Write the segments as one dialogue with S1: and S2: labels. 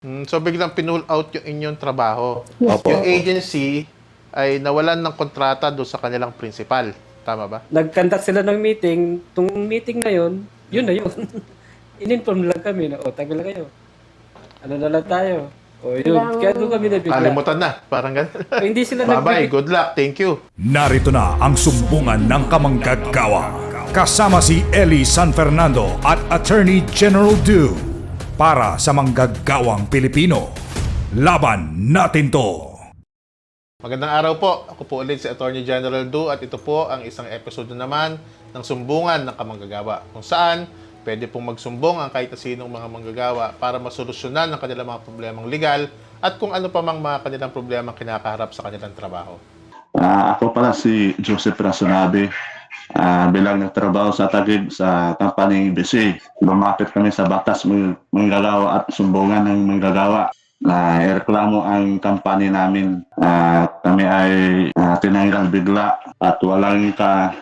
S1: So biglang pinull out yung inyong trabaho.
S2: Yes.
S3: Opo.
S1: Yung agency ay nawalan ng kontrata doon sa kanilang principal. Tama ba?
S2: Nag-conduct sila ng meeting. Tung meeting na yun na yun. In-inform lang kami na, tagal na kayo. Ano na lang tayo. Yun. Kaya doon kami nabigla.
S1: Kalimutan na. Parang ganun.
S2: Hindi sila
S1: Bye-bye. Good luck. Thank you.
S4: Narito na ang sumbungan ng kamanggagawa. Kasama si Eli San Fernando at Attorney General Du para sa manggagawang Pilipino. Laban natin to!
S1: Magandang araw po. Ako po ulit si Attorney General Du at ito po ang isang episode na naman ng Sumbungan ng Kamanggagawa kung saan pwede pong magsumbong ang kahit na sinong mga manggagawa para masolusyonan ang kanilang mga problemang legal at kung ano pa mang mga kanilang problemang kinakaharap sa kanilang trabaho.
S3: Ako pala si Joseph Rasonabe, bilang nagtrabaho sa Taguig sa company BC. Lumapit kami sa batas manggagawa at sumbungan ng manggagawa na ireklamo ang company namin. Kami ay tinanggal bigla at walang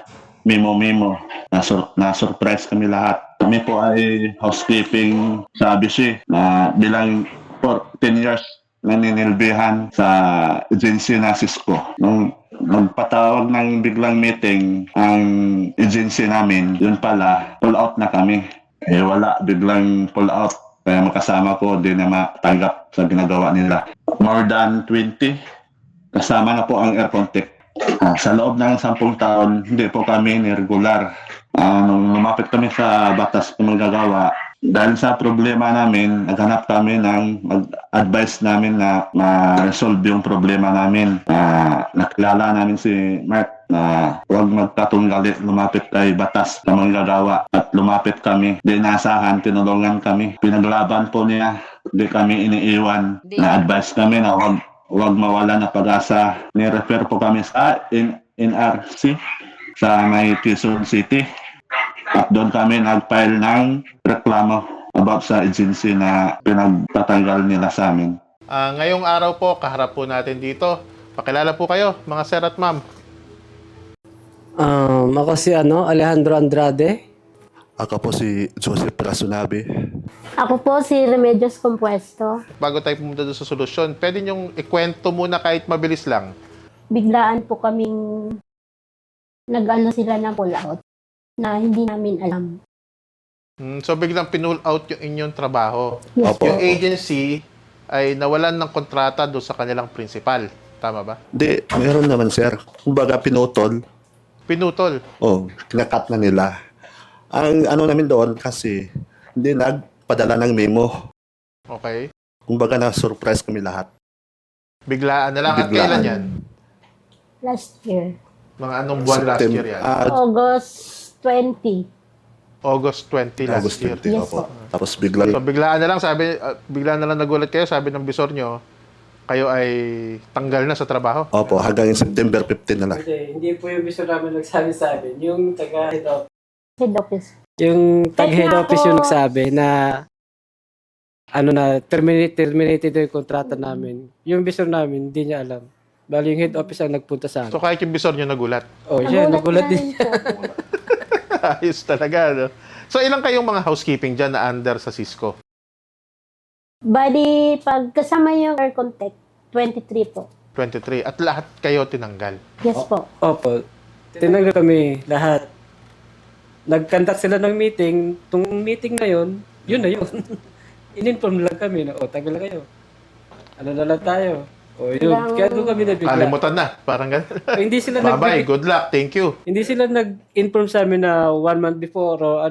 S3: memo-memo. Na-surprise kami lahat. Kami po ay housekeeping sa BC na bilang for 10 years naninilbihan sa agency na Cisco. Nung nagpatawag ng biglang meeting ang agency namin, yun pala, pull out na kami. Wala, biglang pull out. Kaya makasama ko, di na matanggap sa ginagawa nila. More than 20, kasama na po ang air contact. Sa loob ng 10 taon, hindi po kami regular. Nung lumapit kami sa batas na manggagawa, dahil sa problema namin, naghanap kami ng mag-advise namin na ma-resolve yung problema namin. Nakilala namin si Mark na huwag magkatunggali, lumapit kay batas na manggagawa at lumapit kami. Di nasahan, tinulungan kami. Pinaglaban po niya, di kami iniiwan. Na-advise kami na huwag mawala na pag-asa. Ni-refer po kami sa NRC sa may Quezon City. At doon kami nag-file ng reklamo about sa agency na pinagtatanggal nila sa amin.
S1: Ngayong araw po, kaharap po natin dito. Pakilala po kayo, mga sir at ma'am.
S2: Ako si Alejandro Andrade.
S5: Ako po si Joseph Rasonabe.
S6: Ako po si Remedios Compuesto.
S1: Bago tayo pumunta doon sa solusyon, pwede nyong ikwento muna kahit mabilis lang.
S6: Biglaan po kaming nag-ano sila ng pull out na hindi namin alam.
S1: So biglang pinull out yung inyong trabaho.
S6: Yes.
S3: Opo.
S1: Yung agency ay nawalan ng kontrata doon sa kanilang principal. Tama ba?
S5: Hindi, meron naman sir. Kumbaga pinutol.
S1: Pinutol.
S5: Kinakat na nila. Ang ano namin doon kasi hindi nagpadala ng memo.
S1: Okay.
S5: Kumbaga na-surprise kami lahat.
S1: Biglaan na lang. At
S5: Biglaan.
S1: kailan yan?
S6: Last year.
S1: Mga anong buwan last year yan?
S6: August 20.
S1: August 20 last
S5: August
S1: year.
S5: 20.
S6: Yes,
S5: Opo.
S6: po.
S5: Tapos biglang,
S1: So biglaan na lang biglaan na lang nagulat kayo, sabi ng bisor nyo, kayo ay tanggal na sa trabaho.
S5: opo, hanggang September 15 na lang.
S2: Hindi po yung gusto namin nagsabi sa amin. Yung taga-head office.
S6: Head office.
S2: Yung taga-head
S6: Kahit nga
S2: office
S6: po-
S2: yung nagsabi na terminated yung kontrata namin. Yung bisor namin, hindi niya alam. Bali yung head office ang nagpunta sa amin.
S1: So kahit yung bisor nyo nagulat.
S2: Nagulat din siya.
S6: po.
S1: Ayos talaga, no? So ilang kayong mga housekeeping dyan na under sa Cisco?
S6: Bali, pag kasama yung air contact, 23 po.
S1: 23. At lahat kayo tinanggal.
S6: Yes po.
S2: Opo. Tinanggal kami lahat. Nag-conduct sila ng meeting. Tung meeting na yun na yun. In-inform lang kami na, tagal na kayo. Ano na lang tayo. Yun. Kaya doon kami nabigla.
S1: Kalimutan na. Parang ganun.
S2: Hindi sila
S1: Bye-bye. Good luck. Thank you.
S2: Hindi sila nag-inform sa amin na 1 month before o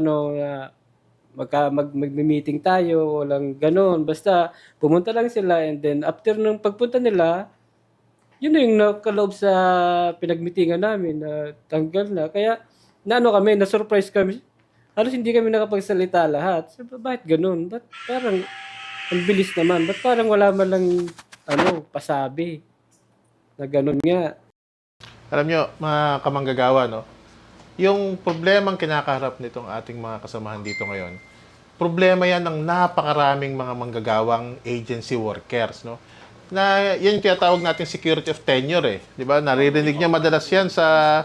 S2: mag-meeting tayo, walang ganoon. Basta pumunta lang sila and then after nung pagpunta nila, yun na yung nakaloob sa pinagmitingan namin na tanggal na. Kaya na-surprise kami. Halos hindi kami nakapagsalita lahat. So, bakit ganoon? Ba't parang ang bilis naman? Ba't parang wala man lang pasabi na ganoon nga?
S1: Alam nyo, mga kamanggagawa, no? Yung problemang kinakaharap nitong ating mga kasamahan dito ngayon, problema yan ng napakaraming mga manggagawang agency workers, no? Na yan kaya tawag natin security of tenure, eh. Di ba? Naririnig niya madalas yan sa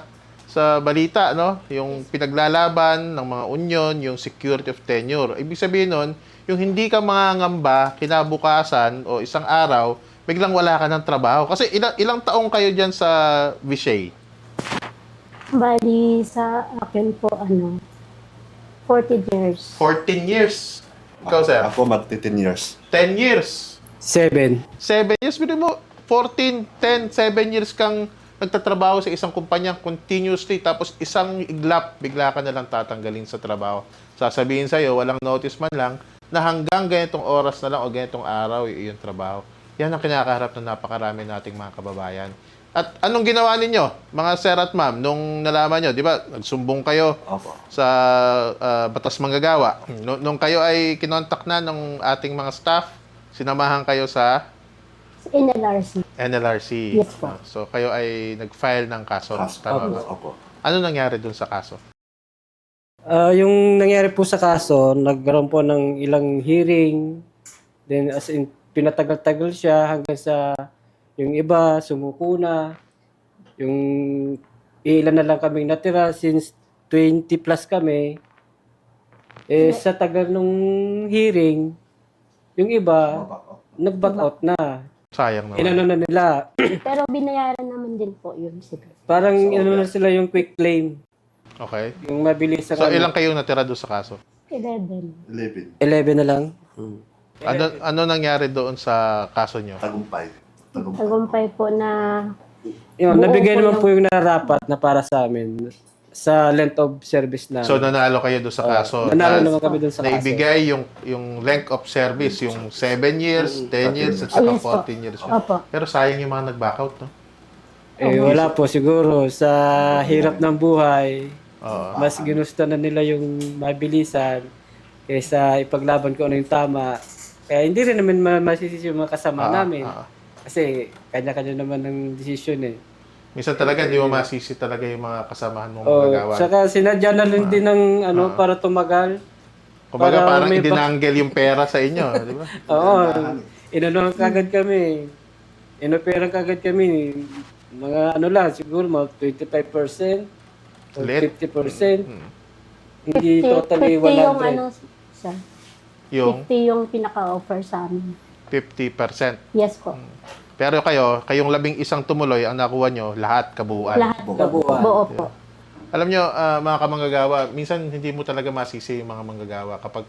S1: balita, no? Yung pinaglalaban ng mga union, yung security of tenure. Ibig sabihin nun, Yung hindi ka mangangamba, kinabukasan o isang araw, biglang wala ka ng trabaho. Kasi ilang taong kayo dyan sa Vishay?
S6: Bali sa akin po, 40 years.
S1: 14 years. Ikaw, sir?
S5: Ako magti 10 years.
S1: 10 years.
S2: 7.
S1: 7 years. Bili mo, 14, 10, 7 years kang nagtatrabaho sa isang kumpanya continuously, tapos isang iglap, bigla ka na lang tatanggalin sa trabaho. Sasabihin sa'yo, walang notice man lang, na hanggang ganitong oras na lang o ganitong araw, yung trabaho. Yan ang kinakaharap ng napakarami nating mga kababayan. At anong ginawa ninyo, mga sir at ma'am, nung nalaman nyo, di ba, nagsumbong kayo
S5: Opo.
S1: sa Batas Manggagawa. Nung kayo ay kinontak na ng ating mga staff, sinamahan kayo sa
S6: NLRC.
S1: NLRC.
S6: Yes po.
S1: So, kayo ay nag-file ng kaso. Tama ba?
S5: Opo.
S1: Ano nangyari dun sa kaso?
S2: Yung nangyari po sa kaso, nagkaroon po ng ilang hearing. Then as in, pinatagal-tagal siya hanggang sa yung iba sumuko na. Yung ilan na lang kaming natira since 20 plus kami. Sa tagal nung hearing, yung iba nag-back out na.
S1: Sayang naman.
S2: Inano na nila.
S6: Pero binayaran naman din po yun sila.
S2: Parang inano na sila yung quick claim.
S1: Okay.
S2: Yung mabilis sa
S1: So, ilang kayong natira doon sa kaso?
S6: 11.
S5: 11.
S2: 11 na lang.
S1: Ano nangyari doon sa kaso nyo?
S5: Tagumpay.
S6: Tagumpay po na
S2: Yun,
S6: Oo,
S2: nabigay
S6: po
S2: naman
S6: yung-
S2: po yung narapat na para sa amin sa length of service na.
S1: So, nanalo kayo doon sa kaso.
S2: nanalo
S1: Na-
S2: naman kami doon sa kaso.
S1: Naibigay yung length of service, yung 7 years, 10 years, at saka
S6: Yes po.
S1: 14 years.
S6: Opo.
S1: Pero sayang yung mga nag-back out, no?
S2: Wala po siguro sa hirap ng buhay.
S1: Oo.
S2: Mas ginusto na nila yung mabilisan kaysa ipaglaban ko ano yung tama. Kaya hindi rin naman masisisi yung mga kasama namin. Kasi kanya-kanya naman ng desisyon eh.
S1: Minsan talaga, hindi mo masisi talaga yung mga kasamahan mong
S2: Oh,
S1: magagawa.
S2: saka sinadya na lang din ng para tumagal.
S1: Kumbaga,
S2: para
S1: parang
S2: may
S1: idinanggel yung pera sa inyo, di ba?
S2: Oo. Inano kagad kami. Inopera kagad kami. Mga siguro mga 25% o
S1: Lit.
S2: 50%. Hindi totally
S6: 50 yung
S2: 100.
S6: sir.
S1: Yung
S6: 50 yung pinaka-offer sa amin.
S1: 50%.
S6: Yes po.
S1: Pero kayong 11 tumuloy, ang nakuha nyo, lahat kabuuan.
S6: Lahat
S2: Kabuuan.
S6: buo po.
S1: Alam nyo, mga kamanggagawa, minsan hindi mo talaga masisi yung mga manggagawa kapag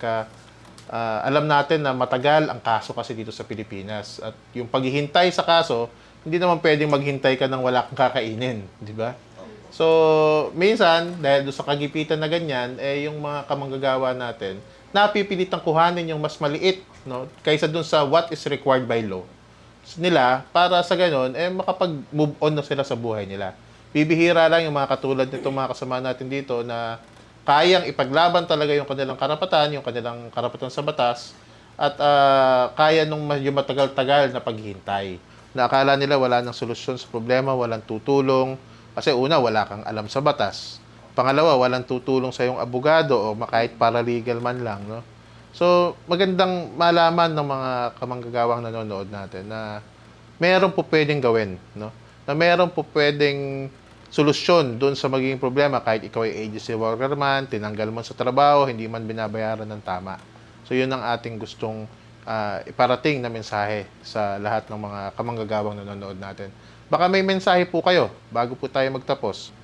S1: alam natin na matagal ang kaso kasi dito sa Pilipinas. At yung paghihintay sa kaso, hindi naman pwedeng maghintay ka ng wala kang kakainin, di ba? So, minsan, dahil doon sa kagipitan na ganyan, yung mga kamanggagawa natin, napipilitang kuhanin yung mas maliit, no, kaysa doon sa what is required by law nila, para sa ganun, makapag-move on na sila sa buhay nila. Bibihira lang yung mga katulad nitong mga kasama natin dito na kayang ipaglaban talaga yung kanilang karapatan sa batas, at kaya nung medyo matagal-tagal na paghihintay. Na akala nila wala nang solusyon sa problema, walang tutulong. Kasi una, wala kang alam sa batas. Pangalawa, walang tutulong sa iyong abogado o kahit paralegal man lang, no? So, magandang malaman ng mga kamanggagawang nanonood natin na meron po pwedeng gawin, no? Na meron po pwedeng solusyon doon sa magiging problema kahit ikaw ay agency worker man, tinanggal mo sa trabaho, hindi man binabayaran ng tama. So, yun ang ating gustong iparating na mensahe sa lahat ng mga kamanggagawang nanonood natin. Baka may mensahe po kayo bago po tayo magtapos.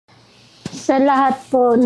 S6: Sa lahat po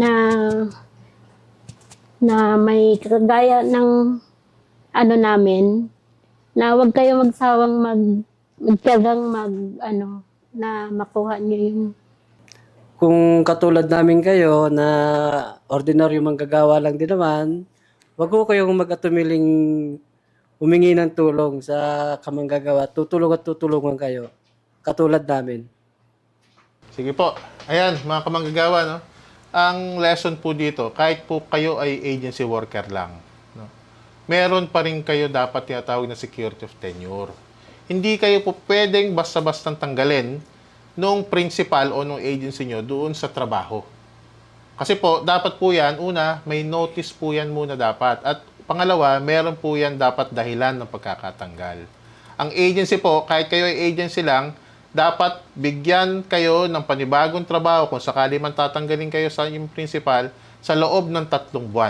S6: na may kagaya ng namin, na huwag kayo magsawang magtiyagang na makuha niyo yung
S2: Kung katulad namin kayo na ordinaryo manggagawa lang din naman, wag ko kayong mag-atumiling humingi ng tulong sa kamanggagawa. Tutulong at tutulungan kayo. Katulad namin.
S1: Sige po. Ayan, mga kamanggagawa, no? Ang lesson po dito, kahit po kayo ay agency worker lang, no? Meron pa rin kayo dapat tinatawag na security of tenure. Hindi kayo po pwedeng basta-bastang tanggalin nung principal o nung agency nyo doon sa trabaho. Kasi po, dapat po yan, una, may notice po yan muna dapat. At pangalawa, meron po yan dapat dahilan ng pagkakatanggal. Ang agency po, kahit kayo ay agency lang, dapat bigyan kayo ng panibagong trabaho kung sakali man tatanggalin kayo sa inyong principal sa loob ng 3 buwan.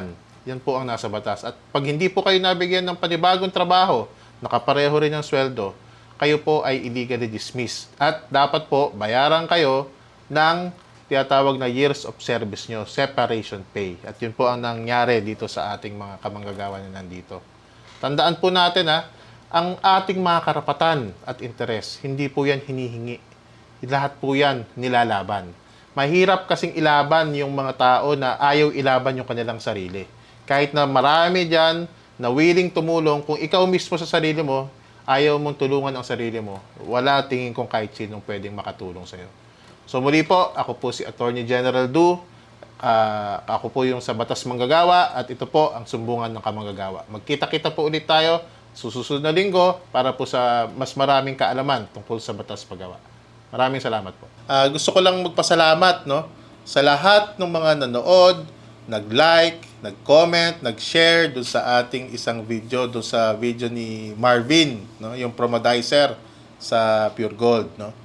S1: Yan po ang nasa batas. At pag hindi po kayo nabigyan ng panibagong trabaho, nakapareho rin ang sweldo, kayo po ay illegally dismissed. At dapat po bayaran kayo ng tinatawag na years of service nyo, separation pay. At yun po ang nangyari dito sa ating mga kamanggagawa na nandito. Tandaan po natin ang ating mga karapatan at interes, hindi po yan hinihingi. Lahat po yan nilalaban. Mahirap kasing ilaban yung mga tao na ayaw ilaban yung kanilang sarili. Kahit na marami dyan na willing tumulong, kung ikaw mismo sa sarili mo, ayaw mong tulungan ang sarili mo, wala tingin kong kahit sinong pwedeng makatulong sa'yo. So muli po, ako po si Attorney General Du. Ako po yung sa Batas Manggagawa at ito po ang Sumbungan ng Kamanggagawa. Magkita-kita po ulit tayo susunod na linggo para po sa mas maraming kaalaman tungkol sa Batas Paggawa. Maraming salamat po. Gusto ko lang magpasalamat sa lahat ng mga nanood, nag-like, nag-comment, nag-share doon sa ating isang video, doon sa video ni Marvin, yung promodizer sa Pure Gold.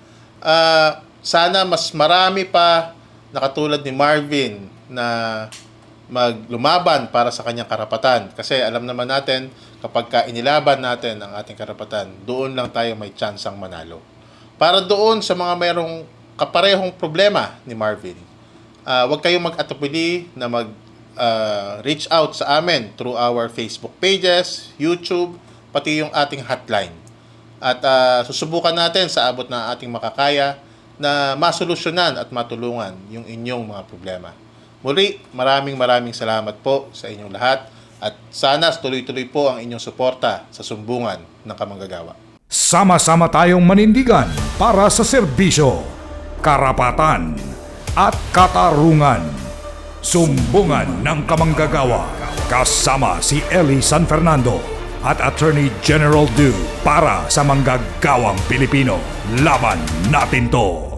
S1: Sana mas marami pa na katulad ni Marvin na maglumaban para sa kanyang karapatan. Kasi alam naman natin, kapag inilaban natin ang ating karapatan, doon lang tayo may tsansang manalo. Para doon sa mga mayroong kaparehong problema ni Marvin, huwag kayong mag-atubili na reach out sa amin through our Facebook pages, YouTube, pati yung ating hotline. At susubukan natin sa abot ng ating makakaya na masolusyonan at matulungan yung inyong mga problema. Muli, maraming salamat po sa inyong lahat at sana tuloy-tuloy po ang inyong suporta sa Sumbungan ng Kamanggagawa.
S4: Sama-sama tayong manindigan para sa serbisyo, karapatan at katarungan. Sumbungan ng Kamanggagawa kasama si Ellie San Fernando at Attorney General Du para sa manggagawang Pilipino. Laban natin to!